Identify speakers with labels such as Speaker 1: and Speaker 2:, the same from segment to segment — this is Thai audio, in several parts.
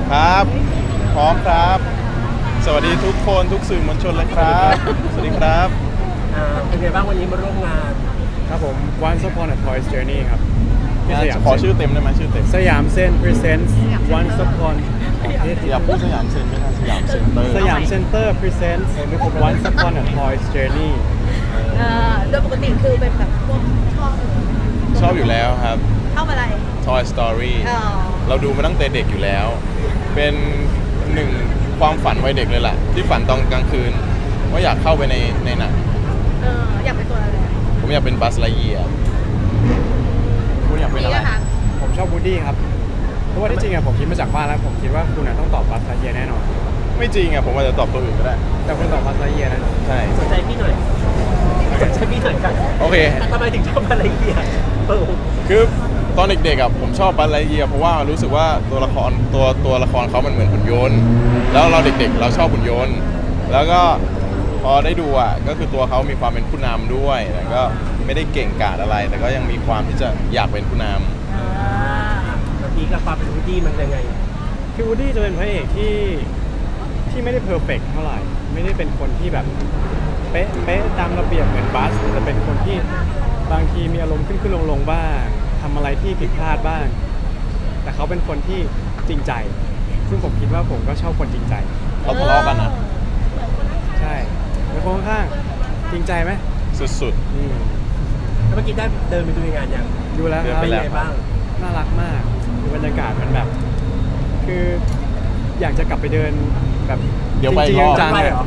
Speaker 1: ครับพร้อมครับสวัสดีทุกคนทุกสื่อมวลชนเลยครับสวัสดีครับ
Speaker 2: เป็นไงบ้างวันนี้มาร่วมงาน
Speaker 3: ครับผม Once Upon a Toy's Journey ครับ
Speaker 1: ขอชื่อเต็มได้ไหมชื่อเต็ม
Speaker 3: สยามเซ็น presents Once Upon
Speaker 1: อย่าพูดสยามเซ็นไม่ใช่สยามเซ็นเตอร์
Speaker 3: สยามเซ็นเตอร์ presents Once Upon a Toy's Journey
Speaker 4: โดยปกติคือเป็นแบบพวก
Speaker 1: ชอบอยู่แล้วครับ
Speaker 4: ชอบอะไร
Speaker 1: Toy Story เราดูมาตั้งแต่เด็กอยู่แล้ว เป็นหนึ่งความฝันวัยเด็กเลยล่ะที่ฝันตอนกลางคืนว่าอยากเข้าไปในหนัง
Speaker 4: อยากเป็นตัวอะไร
Speaker 1: ผมอยากเป็นบัสไลเยียร์คุณอยากเป็นอะไร
Speaker 3: ผมชอบวูดดี้ครับเพราะว่าที่จริงอะผมคิดมาจากบ้านแล้วผมคิดว่าคุณต้องตอบบัสไลเยียร์แน่นอน
Speaker 1: ไม่จริงอะผมอาจจะตอบตัวอื่นก็ได้
Speaker 3: แต่คุณตอบบัสไลเยียร์นะ
Speaker 1: ใช่
Speaker 2: สนใจพี่หน่อยสนใจพี่หน่อยกัน
Speaker 1: โอเค
Speaker 2: ทำไมถึงชอบอะไรเกียร์
Speaker 1: คือตอนเด็กๆอะผมชอบบัสไลเยียร์เพราะว่ารู้สึกว่าตัวละครเขามันเหมือนหุ่นยนต์แล้วเราเด็กๆเราชอบหุ่นยนต์แล้วก็พอได้ดูอะก็คือตัวเขามีความเป็นผู้นำด้วยแต่ก็ไม่ได้เก่งกาจอะไร แต่ก็ยังมีความที่จะอยากเป็นผู้นำ
Speaker 2: แล้วพี่กับความเป็นวูดดี้มันยังไง
Speaker 3: คือวูดดี้จะเป็นพระเอกที่ไม่ได้เพอร์เฟกต์เท่าไหร่ไม่ได้เป็นคนที่แบบเป๊ะตามระเบียบเหมือนบัสจะเป็นคนที่บางทีมีอารมณ์ขึ้นลงบ้างทำอะไรที่ผิดพลาดบ้างแต่เขาเป็นคนที่จริงใจซึ่งผมคิดว่าผมก็ชอบคนจริงใจ
Speaker 1: เขาทะเลาะกันนะ
Speaker 3: ใช่เป็นคนข้างจริงใจไหม
Speaker 1: สุด
Speaker 2: แล้วเมื่อกี้ได้เดินไปดูงานยัง
Speaker 3: ดูแล้วครับ
Speaker 2: เป็นไงบ้าง
Speaker 3: น่ารักมากคือบรรยากาศมันแบบคืออยากจะกลับไปเดินแบบ
Speaker 1: เดี๋ยวไปอีกรอบ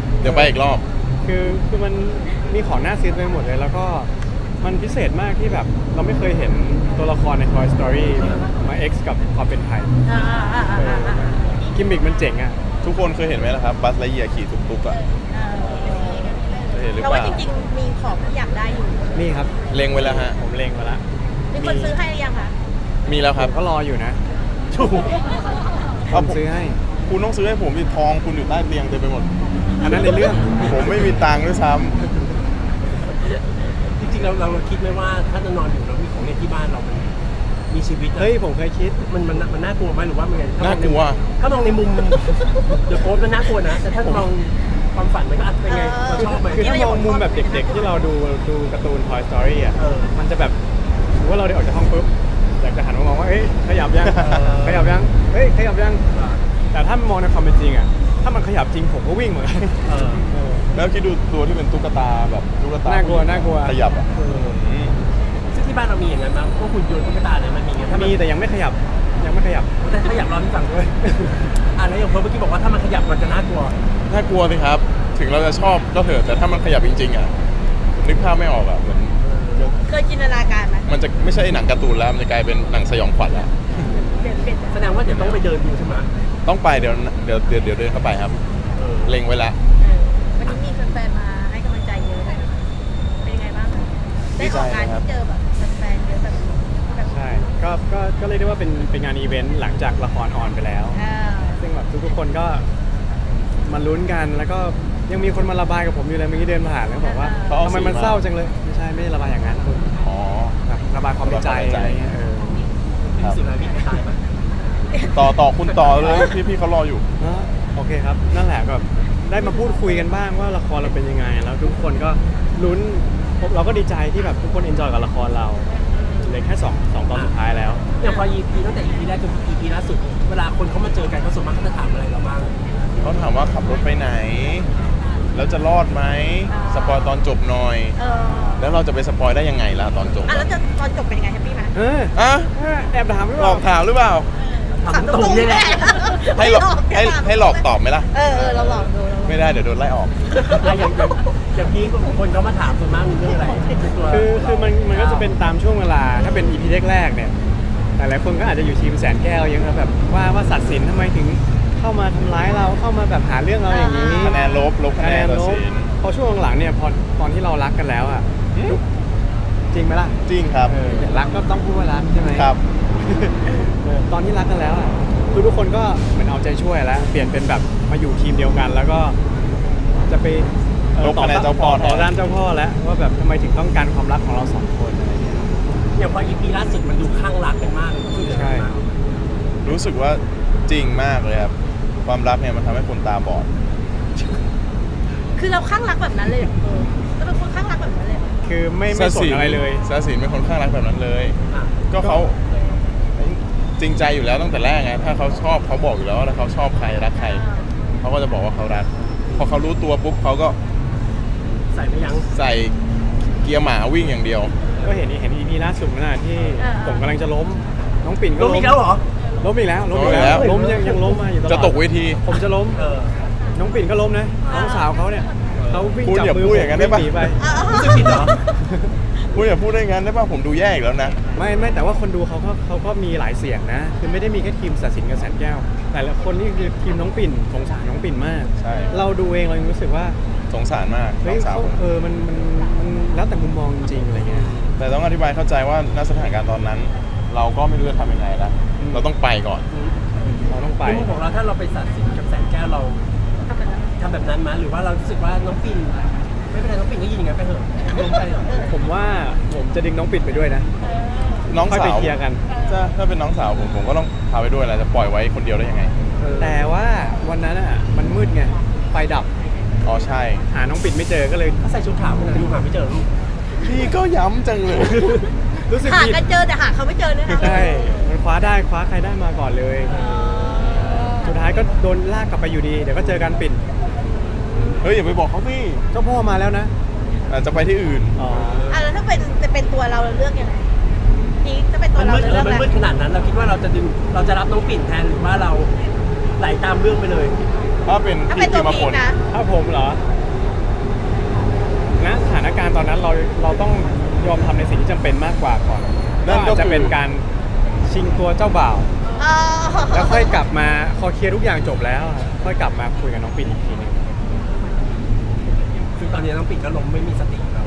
Speaker 3: คือมันมีของน่าซื้อไปหมดเลยแล้วก็มันพิเศษมากที่แบบเราไม่เคยเห็นตัวละครใน Toy Story มา X กับความเป็นไทยกิมมิกมันเจ๋งอ่ะ
Speaker 1: ทุกคนเคยเห็นไหมล่ะครับบัสไลเยียร์ขี่ตุ๊กๆอ่ะเห็นหรือเปล่า
Speaker 4: เราว่าจริงๆมีของที่อยากได้อยู่
Speaker 3: นี่ครับ
Speaker 1: เล็งไว้แล้วฮะ
Speaker 3: ผมเล็งไว้แล้ว
Speaker 4: มีคนซื้อให้หรือยังคะ
Speaker 1: มีแล้วครับ
Speaker 3: ก็รออยู่นะผมซื้อให้
Speaker 1: คุณต้องซื้อให้ผมมีทองคุณอยู่ใต้เตียงเต็มไปหมด
Speaker 3: อันนั้นในเรื่อง
Speaker 1: ผมไม่มีตังค์ด้วยซ้ำ
Speaker 2: จริงๆเราคิดไหมว่าถ้าจะนอนอยู่แล้วมีของเล่นที่บ้านเรามันมีชีวิต
Speaker 3: เฮ้ยผมเคยคิด
Speaker 2: มันน่ากลัวไหมหรือว่ามันไง
Speaker 1: น่ากลัว
Speaker 2: ถ้ามองในมุมเดี๋ยวโพสต์มันน่ากลัวนะแต่ถ้ามองความฝันมันก็เป็นไงเราชอบไหม
Speaker 3: คือถ้ามองมุมแบบเด็กๆที่เราดูการ์ตูน Toy Story อ่ะมันจะแบบว่าเราได้ออกจากห้องปุ๊บอยากจะหันมามองว่าเอ้ยขยับยังขยับยังเฮ้ยขยับยังแต่ถ้ามองในความเป็นจริงอ่ะถ้ามันขยับจริงผมก็วิ่งเหมือนกัน
Speaker 1: แล้วคิดดูตัวที่เป็นตุ๊กตาแบบตุ๊กตา
Speaker 3: น่ากลัว
Speaker 1: ขยับอ่ะ
Speaker 2: ซึ่งที่บ้านเรามีอย่างนั้นบ้างพวกหุ่นยนต์ตุ๊กตาเนี่ยมันมีถ้า
Speaker 3: มีแต่ยังไม่ขยับ
Speaker 2: แต่ขยับเราที่ฝั่งด้วยแล้วอย่างเมื่อกี้บอกว่าถ้ามันขยับมันจะน่ากลัว
Speaker 1: สิครับถึงเราจะชอบก็เถอะแต่ถ้ามันขยับจริงๆอ่ะนึกภาพไม่ออกอ่ะเหมือน
Speaker 4: เคยจินตนาการไหม
Speaker 1: มันจะไม่ใช่หนังการ์ตูนแล้วมันจะกลายเป็นหนังสยองขวัญแล้ว
Speaker 2: แสดงว่าเดี๋ยวต้องไปเดินดูใช่ไหม
Speaker 1: ต้องไปเดี๋ยวเดินเข้าไปครับเล็งไว้แล้ว
Speaker 4: วันนี้มีแฟนๆมาให้กำลังใจเยอะเลยเป็นยังไงบ้างได้ออกงานที่เจอแบบแฟนๆเยอะแบบ
Speaker 3: ใช่ก็เรียกได้ว่าเป็นงานอีเวนต์หลังจากละครออนไปแล้วซึ่งแบบทุกคนก็มาลุ้นกันแล้วก็ยังมีคนมาระบายกับผมอยู่เลยเมื่อกี้เดินผ่านแล้วบอกว่าทำไมมันเศร้าจังเลยไม่ใช่ไม่ได้ระบายอย่างนั้นคุณระบายความในใจอะไรเงี้ย
Speaker 2: สุดท้ายพี่ตายป่ะ
Speaker 1: ต่อคุณต่อเลยพี่เขารออยู่
Speaker 3: โอเคครับนั่นแหละแบบได้มาพูดคุยกันบ้างว่าละครเราเป็นยังไงแล้วทุกคนก็ลุ้นเราก็ดีใจที่แบบทุกคนเอนจอยกับละครเราเหลือแค่2ตอนสุดท้ายแล้ว
Speaker 2: อย่างพอ EP ตั้งแต่ EP แรกจน EP ล่าสุดเวลาคนเขามาเจอกันเขาส่วนมากเขาจะถามอะไรเราบ้าง
Speaker 1: เขาถามว่าขับรถไปไหนแล้วจะรอดไหมสปอยตอนจบหน่อยแล้วเราจะไปสปอยได้ยังไงล่ะตอนจบ
Speaker 4: แล้วตอนจบเป็นยังไงแฮปปี้ไหม
Speaker 3: แอบถามหรือเป
Speaker 1: ล่าหลอกถามหรือเปล่า
Speaker 2: ถามตรงๆนี่แหละ
Speaker 1: ให้หลอกตอบไหมล่ะ
Speaker 4: เราหลอกดู
Speaker 1: ไม่ได้เดี๋ยวโดนไล่ออก
Speaker 2: อย่างพี่คนเขามาถามส่วนมากมีเรื่องอะไร
Speaker 3: คือมันก็จะเป็นตามช่วงเวลาถ้าเป็น EP แรกๆเนี่ยหลายๆคนก็อาจจะอยู่ทีมแสนแก้วยังแบบว่าสัตว์สินทำไมถึงเข้ามาทำร้ายเราเข้ามาแบบหาเรื่องเราอย่างนี้
Speaker 1: คะแนนลบคะแนนลบ
Speaker 3: พอช่วงหลังเนี่ยพอตอนที่เรารักกันแล้วอ่ะจริงไหมล่ะ
Speaker 1: จริงครับ
Speaker 3: รักก็ต้องพูดว่ารักใช่ไหม
Speaker 1: ครับ
Speaker 3: ตอนที่รักกันแล้วอ่ะคือทุกคนก็เหมือนเอาใจช่วยแล้วเปลี่ยนเป็นแบบมาอยู่ทีมเดียวกันแล้วก็จะไป
Speaker 1: ต่อด้านเจ้าพ่อ
Speaker 3: แล้วว่าแบบทำไมถึงต้องการความรักของเรา2คนอะไรเงี้ย
Speaker 2: อย่างพอ EP ล่าสุดมันดูข้างรักกันมาก
Speaker 3: ใช่
Speaker 1: รู้สึกว่าจริงมากเลยครับความรักเนี่ยมันทำให้คนตาบอด
Speaker 4: คือเราข้างรักแบบนั้นเลยเหรอเราเป็นคนข้างรักแบบนั้นเลยเหรอ
Speaker 3: คือไม่สนอะไรเลย
Speaker 1: ซาสินเป็นคนข้างรักแบบนั้นเลย
Speaker 2: อ่ะ
Speaker 1: ก็เขาจริงใจอยู่แล้วตั้งแต่แรกไงถ้าเขาชอบเขาบอกอยู่แล้วว่าถ้าเขาชอบใครรักใครเขาก็จะบอกว่าเขารักพอเขารู้ตัวปุ๊บเขาก็
Speaker 2: ใส่ไม่ยั้ง
Speaker 1: ใส่เกียร์หมาวิ่งอย่างเดียว
Speaker 3: ก็เห็นอีพีล่าสุดนั่นนะที่ผมกำลังจะล้ม น้องปิ่นก็
Speaker 2: ล้มอีกแล้วเหรอ
Speaker 3: ล้มอีกแล้ว
Speaker 1: ล้มอีกแล้ว
Speaker 3: ล้มยังล้มมาอยู่ตลอด
Speaker 1: จะตกเวที
Speaker 3: ผมจะล้ม
Speaker 2: เออ
Speaker 3: น้องปิ่นก็ล้มนะน้องสาวเขาเนี่ยเขาวิ่ง
Speaker 1: พูด
Speaker 3: จับ
Speaker 1: อย่า
Speaker 3: มือ
Speaker 1: พูดอย่างนั้นได้ปะ
Speaker 3: วิ่หนีไป
Speaker 2: รู้สึกผิดเหรอ
Speaker 1: พูดอย่าพูดได้งั้นได้ป่ะผมดูแย่อีกแล้วนะ
Speaker 3: ไม่แต่ว่าคนดูเขาก็มีหลายเสียงนะ คือไม่ได้มีแค่ทีมศาสินกับแสนแก้ว แต่ละคนนี่คือทีมน้องปิ่นสงสารน้องปิ่นมาก
Speaker 1: ใช่
Speaker 3: เราดูเองเรายังรู้สึกว่า
Speaker 1: สงสารมากน้
Speaker 3: เฮ้
Speaker 1: อย งสาว
Speaker 3: เขา
Speaker 1: ผม
Speaker 3: มันแล้วแต่มุมมองจริงๆอะไรเงี้ย
Speaker 1: แต่ต้องอธิบายเข้าใจว่าณสถานการณ์ตอนนั้น เราก็ไม่รู้จะทำยังไงละเราต้องไปก่อน
Speaker 3: เราต้องไป
Speaker 2: ในมุมของเราถ้าเราไปตัดสินกับแสนแก้วเราทำแบบนั้นมั้ยหรือว่าเรารู้สึกว่าน้องปิ่นไม่เป็นไรน้องปิ่นก็ยินอย่างนั้นไปเถอะลงไป
Speaker 3: ผมว่าผมจะดึงน้องปิ่นไปด้วยนะ
Speaker 1: น้อง
Speaker 3: ค่อย
Speaker 1: สา
Speaker 3: ไป
Speaker 1: ว
Speaker 3: เคลียร์กัน
Speaker 1: ถ้าเป็นน้องสาวผมก็ต้องพาไปด้วยแหละจะปล่อยไว้คนเดียวได้ยังไง
Speaker 3: แต่ว่าวันนั้นอ่ะมันมืดไงไฟดับ
Speaker 1: อ๋อใช่
Speaker 3: หาน้องปิ่นไม่เจอก็เลย
Speaker 2: ถ้าใส่ชุดขาวขนาดนี้หาไม่เจอลูก
Speaker 1: พี่ก็ย้ำจังเลย
Speaker 3: รู้สึก
Speaker 4: หา
Speaker 3: ผิด
Speaker 4: กันเจอแต่หาเขาไม่เจอด้วยนะ
Speaker 3: ใช่มันคว้าใครได้มาก่อนเลย สุดท้ายก็โดนลากกลับไปอยู่ดี เดี๋ยวก็เจอกันปิ่น
Speaker 1: เฮ้ยอย่าไปบอกเขาพี่
Speaker 3: เจ้าพ่อมาแล้วนะ
Speaker 1: อาจจะไปที่อื่น
Speaker 3: อ๋อ
Speaker 4: แล้วถ้าเป็นตัวเราเลือกยังไงพีคจะเป็นตัว
Speaker 2: มัน
Speaker 4: เรา
Speaker 2: มืด
Speaker 4: เลือก
Speaker 2: มัน
Speaker 4: อะไร
Speaker 2: มืดขนาดนั้นเราคิดว่าเราจะรับน้องปิ่นแทนหรือว่าเราไหลตามเรื่องไปเลย
Speaker 1: ถ้าเป็น
Speaker 4: ถ้า
Speaker 1: พี่
Speaker 4: เป็นตั
Speaker 1: กิ
Speaker 4: ว
Speaker 1: มมา
Speaker 4: พี
Speaker 1: ผ
Speaker 4: ค
Speaker 1: ล
Speaker 4: นะ
Speaker 3: ถ้าผมเหรอณสถานการณ์ตอนนั้นเราต้องยอมทำในสิ่งที่จำเป็นมากกว่าก่อน
Speaker 1: นั่นก็
Speaker 3: อาจจะ
Speaker 1: คือ
Speaker 3: เป็นการชิงตัวเจ้าบ่าว แล้วค่อยกลับมาพอเคลียร์ทุกอย่างจบแล้ว ค่อยกลับมาคุยกับน้องปิ่นอีกทีหนึง
Speaker 2: คือตอนนี้น้องปิ่นก็ล้มไม่มีสติเรา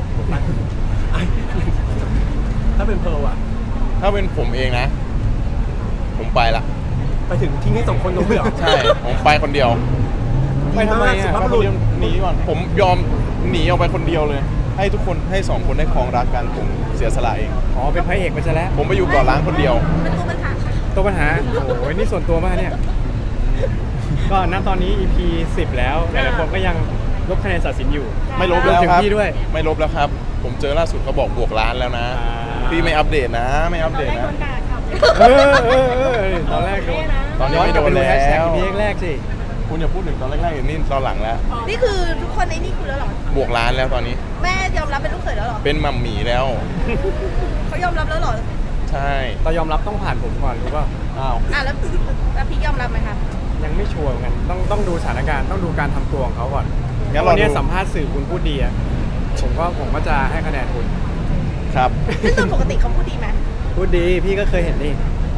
Speaker 2: ถ้าเป็นเพร์ลอะ
Speaker 1: ถ้าเป็นผมเองนะ ผมไปละ
Speaker 2: ไปถึงที่นี่2 คนตรงเลยเหรอ
Speaker 1: ใช่ ผมไปคนเดียว
Speaker 3: ไปทำไม
Speaker 2: สุ
Speaker 3: อ่ะ
Speaker 2: ภาพ
Speaker 1: ไป
Speaker 2: บุ
Speaker 1: คน
Speaker 2: รุษ
Speaker 1: เดียวหนีก่อนผมยอมหนีออกไปคนเดียวเลย ให้ทุกคนให้2คนได้ครองรักกันผมเสียสละเอง
Speaker 3: อ๋อเป็นพระเอกไปซะแล้ว
Speaker 1: ผมไปอยู่เก่อนล้างคนเดียว
Speaker 4: มันตัวปัญหาค่ะ
Speaker 3: ตัวปัญหาโอ้ยนี่ส่วนตัวมากเนี่ย ก็ณตอนนี้ EP 10 แล้วหลายๆคนก็ยังลบคะแนนตัดสินอยู่
Speaker 1: ไม่ลบแล้วครับ
Speaker 3: รวมถึงพี่ด้วย
Speaker 1: ไม่ลบแล้วครับ ผมเจอล่าสุดเขาบอกบวกล้านแล้วนะ
Speaker 3: อ่า
Speaker 1: พี่ไม่อัปเดตนะ ไม่อัปเดตนะ
Speaker 3: ตอนแรกโดน
Speaker 1: ตอนนี้
Speaker 3: ย้อนกลับไปดู
Speaker 1: ไม่โดน
Speaker 3: แฮชแท็ก
Speaker 1: แล้ว
Speaker 3: พีแรกสิ
Speaker 1: คุณอย่าพูดถึงตอนแรกๆอย่างนี้ตอนหลังแล้ว
Speaker 4: นี่คือทุกคนในนี่คุณแล้วเหรอบ
Speaker 1: วกล้านแล้วตอนนี้
Speaker 4: แม่ยอมรับเป็นลูกเขยแล้วเหรอ
Speaker 1: เป็นมัมหมี่แล้ว
Speaker 4: เขายอมรับแล้วเหรอ
Speaker 1: ใช่
Speaker 3: เรายอมรับต้องผ่านผมก่อนรู้ป่ะ
Speaker 1: อ้าว
Speaker 4: แล้วพีคยอมรับไหมคะ
Speaker 3: ยังไม่ชัวร์เหมือนกันต้องดูสถานการณ์ต้องดูการทำตัวของเขาก่อน
Speaker 1: งั้น
Speaker 3: วั
Speaker 1: เรา
Speaker 3: นนี้
Speaker 1: ดู
Speaker 3: สัมภาษณ์สื่อคุณพูดดีอะผมก็จะให้คะแนนคุณ
Speaker 1: ครับ
Speaker 4: ซึ่งโดยปกติเขาพูดดีไหม
Speaker 3: พูดดีพี่ก็เคยเห็นนี่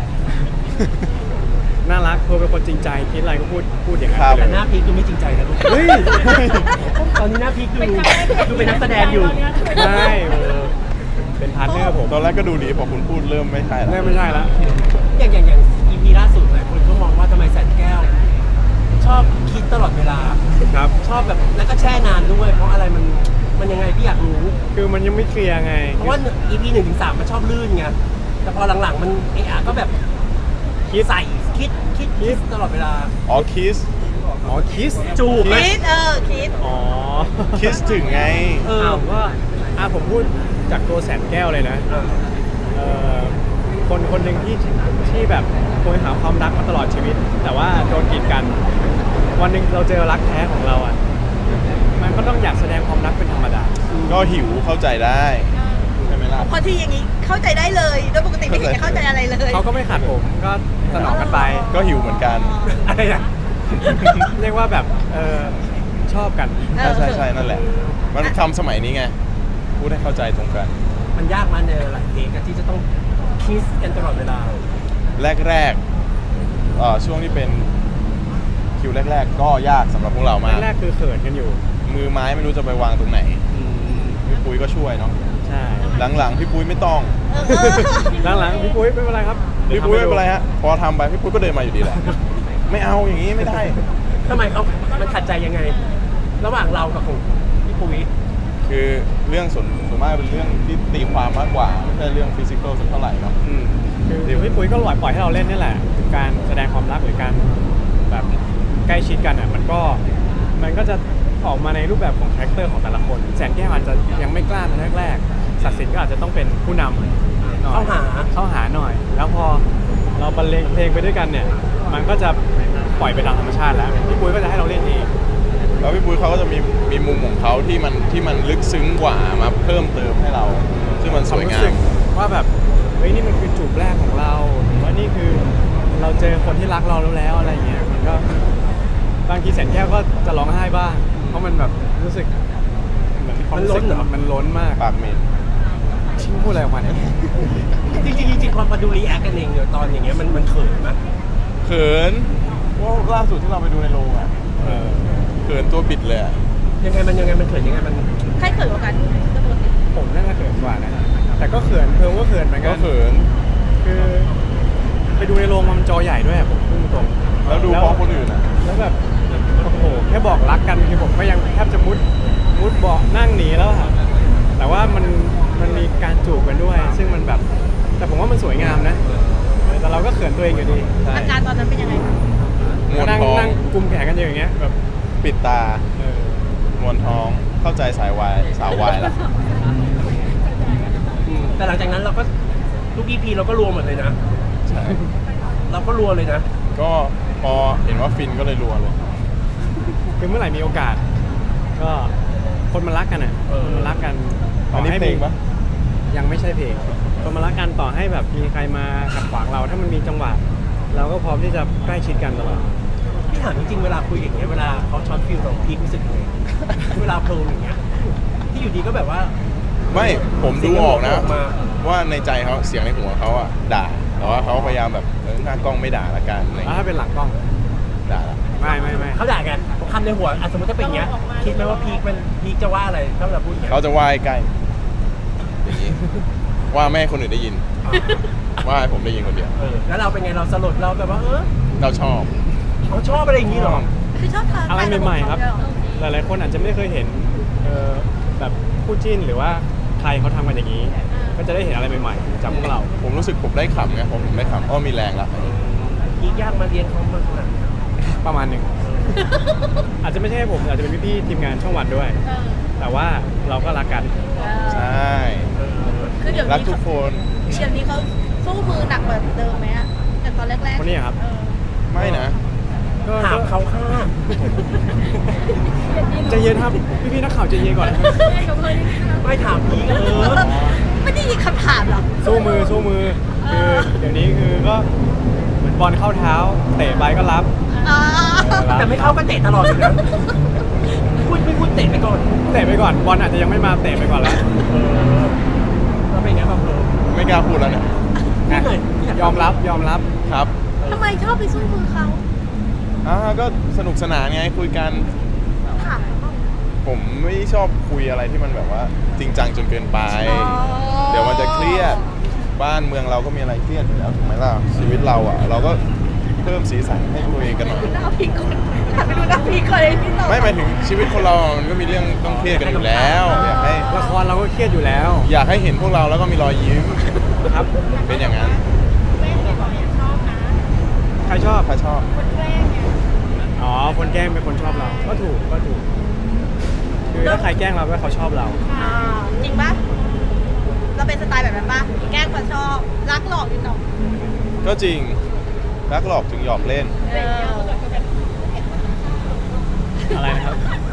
Speaker 3: น่ารักเธอเป็นคนจริงใจคิดอะไรก็พูดอย่างนั้น
Speaker 1: ครับ
Speaker 3: ไป
Speaker 2: แต่
Speaker 3: เลย
Speaker 2: หน้าพีคดูไม่จริงใจนะลูก
Speaker 3: เฮ้ย
Speaker 2: ตอนนี้หน้าพีคดูเป็นนักแสดงอยู่
Speaker 3: ไม่เป็นพาร์ทเนอร์ผม
Speaker 1: ตอนแรกก็ดูดีพอคุณพูดเริ่มไม่ใช่แล้ว
Speaker 3: ไม่ใช่ละ
Speaker 2: อย่าง EP ล่าสุดหลายคนก็มองว่าทำไมแสนแก้ว ชอบคิดตลอดเวลา
Speaker 3: ครับ
Speaker 2: ชอบแบบแล้วก็แช่นานด้วย เพราะอะไรมันยังไงพี่อยากรู้
Speaker 3: คือมันยังไม่เคลียร์ไง
Speaker 2: เพราะว่า EP 1-3มันชอบลื่นไงแต่พอหลังๆมันก็แบบ
Speaker 3: คิด
Speaker 2: ใส่คิดตลอดเวลา
Speaker 1: อ๋อคิส
Speaker 3: อ๋อคิส
Speaker 2: จูบไหม
Speaker 4: คิดคิด
Speaker 3: อ๋อ
Speaker 1: คิสถึงไง
Speaker 3: อ้าวก็ผมพูดจากตัวแสนแก้วเลยนะ คนหนึ่งที่แบบโหยหาความรักมาตลอดชีวิต แต่ว่าโดนกีดกัน วันหนึ่งเราเจอรักแท้ของเราอ่ะมันก็ต้องอยากแสดงความรักเป็นธรรมดา
Speaker 1: ก็หิวเข้าใจได้ใช่ไหมล่ะ
Speaker 4: พอที่อย่างนี้เข้าใจได้เลยโดยปกติไม่เห็นจะเข้าใจอะไรเลย
Speaker 3: เขาก็ไม่ขัดผมก็สนองกันไป
Speaker 1: ก็หิวเหมือนกัน
Speaker 2: อะไรนะ
Speaker 3: เรียกว่าแบบชอบกัน
Speaker 1: ใช่นั่นแหละ มันคำสมัยนี้ไง พูดให้เข้าใจตรงกัน
Speaker 2: มันยากมาในหลายเทคที่จะต้องคิสกันตลอดเวลา
Speaker 1: แรกช่วงที่เป็นคิวแรก ๆ ก็ยากสำหรับพวกเรามาก
Speaker 3: แรกๆคือเขินกันอยู่
Speaker 1: มือไม้ไม่รู้จะไปวางตรงไหน พี่ปุ้ยก็ช่วยเนาะ
Speaker 3: ใช่
Speaker 1: หลังๆพี่ปุ้ยไม่ต้อง
Speaker 3: หลังๆพี่ปุ้ยไม่เป็นไรครับ
Speaker 1: พี่ปุ้ยไม่เป็นไรฮะ พอทำไปพี่ปุ้ยก็เดินมาอยู่ดีแหละ ไม่เอาอย่างนี้ไม่ได้
Speaker 2: ทำไมมันขัดใจยังไง ระหว่างเรากับของพี่ปุ้ย
Speaker 1: คือเรื่องส่วนมากเป็นเรื่องที่ตีความมากกว่าไม่ใช่เรื่องฟิสิกอลสักเท่าไหร่เนาะ
Speaker 3: คือพี่ปุ้ยก็ปล่อยให้เราเล่นนี่แหละการแสดงความรักหรือการแบบใกล้ชิดกันอ่ะมันก็จะออกมาในรูปแบบของคาแรคเตอร์ของแต่ละคนแสนแก้วอาจจะยังไม่กล้าในแรกๆศักดิ์สิทธิ์ก็อาจจะต้องเป็นผู้นำหน่อย เข้าหาหน่อย แล้วพอเราบรรเลงเพลงไปด้วยกันเนี่ยมันก็จะปล่อยไปตามธรรมชาติแล้วพี่ปุ้ยก็จะให้เราเล่นเอง
Speaker 1: แล้วพี่ปุ้ยเขาก็จะมีมุมของเขาที่มันลึกซึ้งกว่ามาเพิ่มเติมให้เรา ซึ่งมันสวยงาม
Speaker 3: ว่าแบบเฮ้ยนี่มันคือจูบแรกของเราหรือว่านี่คือเราเจอคนที่รักเราแล้วอะไรเงี้ยมันก็บางทีแสนแก้วก็จะร้องไห้บ้างเพราะมันแบบรู้สึกเหมือนความรู้สึกมันล้นมาก
Speaker 1: ปากเหม็น
Speaker 3: ชิงพูดอะไรออกมาเนี่ย
Speaker 2: จริงพอดูรีแอคกันเองเนี่ยตอนอย่างเงี้ยมันเขินไหม
Speaker 1: เขินว่าล่าสุดที่เราไปดูในโรงอ่ะเขินตัวบิดเลยอะ
Speaker 2: ยังไงมันเขินยังไงมัน
Speaker 4: ใครเขินกว่ากันก็ปกติ
Speaker 3: ผมน่าจะเขินกว่านะแต่ก็เขินเพิ่มก็เขินเหมือนกั
Speaker 1: ก็
Speaker 3: น
Speaker 1: เขิน
Speaker 3: คือไปดูในโรงมันจอใหญ่ด้วยอะผมพูดตรง
Speaker 1: แล้วดูพร้อมคนอื่นอ่ะ
Speaker 3: แล้วแบบโอ้โหแค่บอกรักกันคือผมก็ยังแทบจะมุดเบาะนั่งหนีแล้วอะแต่ว่ามันมีการจูบกันด้วย ซึ่งมันแบบแต่ผมว่ามันสวยงามนะแต่เราก็เขินตัวเองอยู่ดี
Speaker 1: ใช่
Speaker 4: อาการตอนนั้นเป็นยังไงคะ
Speaker 1: มวน
Speaker 3: นั่ง
Speaker 1: ท้อง
Speaker 3: นั่งกุมแขนกันอยู่อย่างเงี้ยแบบ
Speaker 1: ปิดตา มวนท้องเข้าใจสายวายแล้ว
Speaker 2: แต่หลังจากนั้นเราก็ทุก EP เราก็รวมหมดเลยนะ
Speaker 1: ใช่
Speaker 2: เราก็รวมเลยนะ
Speaker 1: ก็พอเห็นว่าฟินก็เลยรัวเลย
Speaker 3: คือเมื่อไหร่มีโอกาส ก็คนมันรักกันอ่ะคนมันรักกัน
Speaker 1: อันนี้เพลงปะ
Speaker 3: ยังไม่ใช่เพลงคนมันรักกันต่อให้แบบมีใครมาขัดขวางเราถ้ามันมีจังหวะเราก็พร้อมที่จะใกล้ชิดกันตลอด
Speaker 2: พี่ถามจริงๆเวลาคุยอย่างเงี้ยเวลาเขาช็อตฟิลเราพีครู้สึกยังไงเวลาเพลิงอย่างเงี้ยที่อยู่ดีก็แบบว่า
Speaker 1: ไม่ผมดูออกนะ
Speaker 2: เสียงมันออกมา
Speaker 1: ว่าในใจเขาเสียงในหัวเขาอะด่า แต่ว่าเขาพยายามแบบหน้ากล้องไม่ด่าละกันอะไร
Speaker 3: แล้วถ้าเป็นหลังกล้อง
Speaker 1: ด่าละ
Speaker 3: ไม่
Speaker 2: เขาด่ากันคำในหัวสมมติถ้าเป็นอย่างเงี้ยคิดไหมว่าพีคจะว่าอะไรถ้าเราพูดอย่างเงี้ย
Speaker 1: เขาจะว่าให้ใกล้อย่างนี้ว่าไม่ให้คนอื่นได้ยิน ว่าให้ผมได้ยินคนเดียว
Speaker 2: แล้วเราเป็นไงเราสลดเราแบบว่า
Speaker 1: เราชอบ
Speaker 2: เขาชอบอะไรอย่างงี้เหรอ
Speaker 4: คือชอบทาน
Speaker 3: อะไรใหม่ๆครับ หลายๆคนอาจจะไม่เคยเห็นแบบคู่จิ้นหรือว่าใครเขาทำกันอย่างนี้ ก็จะได้เห็นอะไรใหม่ๆจากพวกเรา
Speaker 1: ผมรู้สึกผมได้ขำไงผมได้ขำมีแรงละ
Speaker 2: พีคยากมาเรียนเขามาขนาดนี้
Speaker 3: ประมาณหนึ่ง อาจจะไม่ใช่ผมอาจจะเป็นพี่ๆทีมงานช่องวันด้วย แต่ว่าเราก็รักกัน
Speaker 1: ใช่
Speaker 4: คือเดี๋ยว
Speaker 1: รัก
Speaker 4: นี้
Speaker 1: ทุกคน
Speaker 4: เขาสู้มือหนักแบบเดิมไหมอะจากตอนแรกๆ
Speaker 3: คนนี้ครับ
Speaker 1: ไม่นะ
Speaker 3: ก็
Speaker 2: ถามเขาข้าม
Speaker 3: ใจเย็นครับพี่ๆนักข่าวใจเย็นก่อนนะครับ
Speaker 2: ไม่ถามพีค
Speaker 4: ไม่ได้ยินคำถามหรอก
Speaker 3: สู้มือคือเดี๋ยวนี้คือก็เหมือนบอลเข้าเท้าเตะไปก็รับ
Speaker 4: อ่า
Speaker 2: แต่ไม่เข้าก็เตะตลอดเลยนะไม่พูดเตะไปก่อน
Speaker 3: เตะไปก่อนบอลอาจจะยังไม่มาเตะไปก่อนแล้ว
Speaker 2: เราเป็นไงบ้างเพลิง
Speaker 1: ไม่กล้าพูดแล้วเนี่ย
Speaker 2: พูดหน่อย
Speaker 3: ยอมรับ
Speaker 1: ครับ
Speaker 4: ทำไมชอบไปสู้มือเขา
Speaker 1: ก็สนุกสนานไงคุยกัน
Speaker 4: ถามเขา
Speaker 1: ผมไม่ชอบคุยอะไรที่มันแบบว่าจริงจังจนเกินไป เดี๋ยวมันจะเครียด บ้านเมืองเราก็มีอะไรเครียดอยู่แล้วถูกไหมล่ะ ชีวิตเราอ่ะ เราก็เพิ่มสีสันให้ตัวเองกันหน่อย
Speaker 4: ดูหน้าพี่ก่อนหันไปดูหน้าพี่ก่อนเลยพี่ตอบ
Speaker 1: ไม่หมายถึงชีวิตคนเรามันก็มีเรื่องต้องเครียดกันอยู่แล้ว
Speaker 3: ละครเราก็เครียดอยู่แล้ว
Speaker 1: อยากให้เห็นพวกเราแล้วก็มีรอยยิ้ม
Speaker 3: ครับ
Speaker 1: เป็นอย่างนั้น
Speaker 3: ใครชอบ
Speaker 1: ถ้าชอบ
Speaker 3: อ๋อคนแกล้งเป็นคนชอบเรา ก็ถูกคือถ้าใครแกล้งเราก็เขาชอบเรา
Speaker 4: อ่าจริงปะเราเป็นสไตล์แบบนั้นปะแกล้งคนชอบรักหลอกนิดหน่อย
Speaker 1: ก็จริงรักหลอกถึงหยอกเล่น
Speaker 3: อะไรนะครับ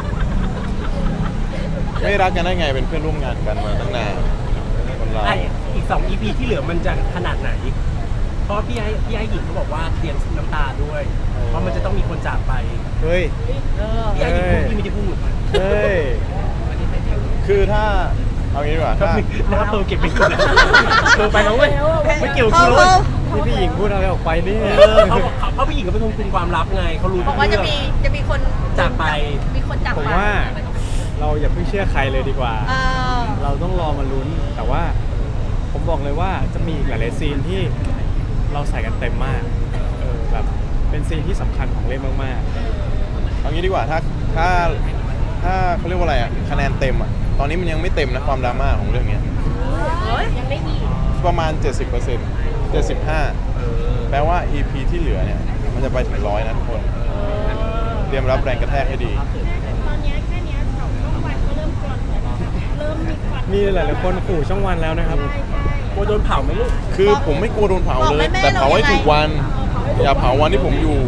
Speaker 1: ไม่รักกันได้ไงเป็นเพื่อนร่วมงานกันมาตั้งนานคนเรา
Speaker 2: อีก2 EP ที่เหลือมันจะขนาดไหน เพราะพี่ไอ้หญิงเขาบอกว่าเตรียมน้ำตาด้วย เพราะมันจะต้องมีคนจากไป
Speaker 3: เฮ้ย
Speaker 2: พี่ไอ้หญิงพูดพี่ไม่ได้พูด
Speaker 3: เฮ้ย
Speaker 1: คือถ้าเอางี้ดีกว่าถ้า
Speaker 2: หน้าเพลเก็บไม่อยู่นะเพลไปแล้วเว้ยไม่เกี่ยวกับกูเลย
Speaker 3: นี่พี่หญิงพูดอะไรออกไปนี่
Speaker 2: เขาพี่หญิงก็เป็นคนคุมความลับไงเขารู้
Speaker 4: บอกว่าจะมีคน
Speaker 2: จากไป
Speaker 4: มีคนจาก
Speaker 3: ผม
Speaker 4: ไป
Speaker 3: ว่าเราอย่าเพิ่งเชื่อใครเลยดีกว่า
Speaker 4: เออ
Speaker 3: เราต้องรอมาลุ้น แต่ว่าผมบอกเลยว่าจะมีอีกหลายๆซีนที่เราใส่กันเต็มมากแบบเป็นซีนที่สำคัญของเรื่องมาก
Speaker 1: เอางี้ดีกว่าถ้าเขาเรียกว่าอะไรอ่ะคะแนนเต็มอ่ะตอนนี้มันยังไม่เต็มนะความดราม่าของเรื่องเนี้ย
Speaker 4: เฮ้ยยังได้อีก
Speaker 1: ประมาณ 70% 75 แปลว่า EP ที่เหลือเนี่ยมันจะไปถึง100นะทุกคนเตรียมรับแรงกระแทกให้ดี
Speaker 4: ตอนนี้แค่นี้ช่องวันก็เริ่มกรอนเริ่มมีควัน
Speaker 3: มีหลายๆคนขู่ช่องวันแล้วนะครับ
Speaker 2: กลัวโดนเผาไหมลูก
Speaker 1: คือผมไม่กลัวโดนเผาเลย แต่เผาให้ถูกวัน อย่าเผาวันที่ผมอยู่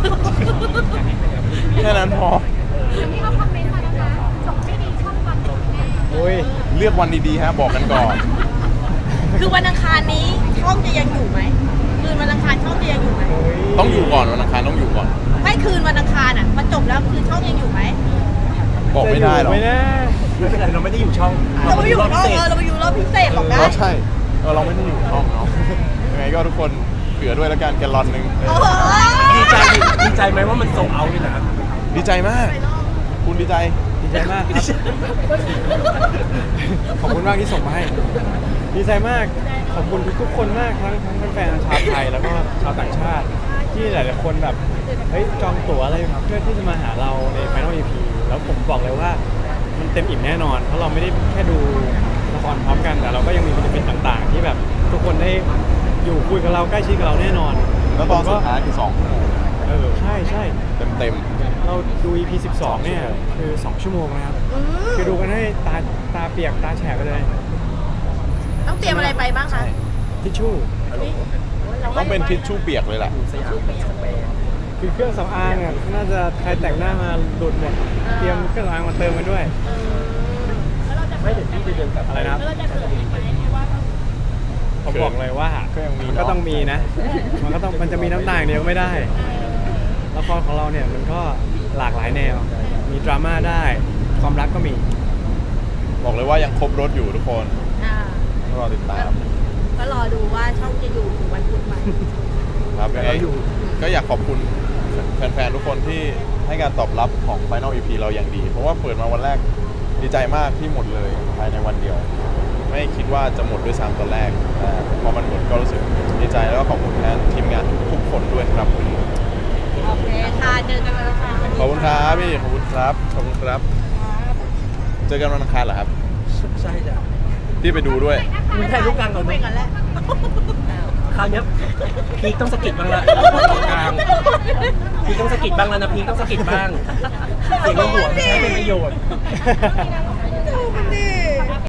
Speaker 1: แค่นั้นพอ
Speaker 4: ที่เขาคอมเมนต์มานะคะส่งไม่ดีช่องวันแน่
Speaker 3: โอ้ย
Speaker 1: เลือกวันดีๆฮะบอกกันก่อน
Speaker 4: คือวันอังคารนี้ช่องจะยังอยู่ไหมคืนวันอังคารช่องจะยังอยู่ไหม
Speaker 3: โอ้ย
Speaker 1: ต้องอยู่ก่อนวันอังคารต้องอยู่ก่อน
Speaker 4: ไม่คืนวันอังคารอ่ะพอจบแล้วคือช่องยังอยู่ไหม
Speaker 1: บอกไม่ได้หรอก
Speaker 3: จะยู่ไหมนะ
Speaker 2: ไม่เป็นไรเราไม่ได้อยู่ช่อง
Speaker 4: เราไปอยู่รอบ
Speaker 2: พิเศษ
Speaker 4: เราไปอยู่รอบพิเศษบอกได้
Speaker 1: อ๋อใช่เราไม่ได้อยู่ห้องเนาะยังไงก็ทุกคนเผื่อด้วยแล้วกันแกลลอนหนึง
Speaker 4: โอ้โห
Speaker 2: ดีใจไหมว่ามันโซลเอาท์เลยนะ
Speaker 1: ดีใจมาก คุณดีใจ
Speaker 3: ดีใจมากครับ ขอบคุณมากที่ส่งมาให้ ดีใจมาก ขอบคุณทุกๆคนมากทั้งแฟนๆชาวไทยแล้วก็ชาวต่างชาติ ที่หลายๆคนแบบเฮ้ยจองตั๋วอะไรเพื่อที่จะมาหาเราใน Final EP แล้วผมบอกเลยว่ามันเต็มอิ่มแน่นอน เพราะเราไม่ได้แค่ดูละครพร้อมกันแต่เราก็ยังมีกิจกรรมต่างๆ ที่แบบทุกคนได้อยู่คุยกับเราใกล้ชิดกับเราแน่นอน
Speaker 1: แล้วตอนสุดท้ายคือ2 ชั่วโมง
Speaker 3: ใช่ใช่
Speaker 1: เต็ม
Speaker 3: เราดู EP 12 เนี่ยคือ 2 ชั่วโมงนะครับ คือดูกันให้ตาเปียกตาแฉะไปเลย
Speaker 4: ต้องเตรียมอะไรไปบ้างคะ
Speaker 3: ทิชชู่
Speaker 1: ๆต้องเป็นทิชชู่เปียกเลยแหละ
Speaker 2: สยามสเปน
Speaker 3: คือเครื่องสำอางอ่ะน่าจะใครแต่งหน้ามาหลุดหมด เตรียมเครื่องสำอางมาเติมกันด้วย
Speaker 2: ไม่เดี๋ยวพี่จะเดินกลับ
Speaker 3: อะไรนะครับ
Speaker 4: แล้วเราจะเกิดอีกไหมเพราะว่า
Speaker 3: ผมบอกเลยว่า
Speaker 1: ก็ยังมี
Speaker 3: มันก็ต้องมีนะ มันจะมีน้ำตาอย่างเดียวไม่ได้ละครของเราเนี่ยมันก็หลากหลายแนว มีดราม่าได้ ความรักก็มี
Speaker 1: บอกเลยว่ายังครบรถอยู่ทุกคน
Speaker 4: อ่า
Speaker 1: ต้องรอติดตาม
Speaker 4: ก็รอดูว่าช่องจะอยู่ถึงวันพุธไหม
Speaker 1: ครับยังไงก็อยากขอบคุณแฟนๆทุกคนที่ให้การตอบรับของ Final EP เราอย่างดี เพราะว่าเปิดมาวันแรกดีใจมากที่หมดเลยภายในวันเดียว ไม่คิดว่าจะหมดด้วยซ้ำตอนแรกแต่พอมันหมดก็รู้สึกดีใจแล้วก็ขอบคุณแทนทีมงานทุกๆคนด้วยครับ
Speaker 4: โอเคค่ะเจอกันวันอังคาร
Speaker 1: ขอบคุณครับพี่ขอบคุณครับขอบคุณครับ เจอกันวันอังคารเหรอครับ
Speaker 2: ใช่จ้ะ
Speaker 1: พี่ไปดูด้วย
Speaker 2: มึงถ่ายรูปกลางก่อน
Speaker 4: ไป
Speaker 2: ไหม
Speaker 4: ก่อนแหละ
Speaker 2: คราวเนี้ยพีคต้องสะกิดบ้างละกลางพีคต้องสะกิดบ้างแล้วนะพีคต้องสะกิดบ้างเสียงในหัวไม่ใช่เป็นประโยชน์
Speaker 4: ดูมันดิ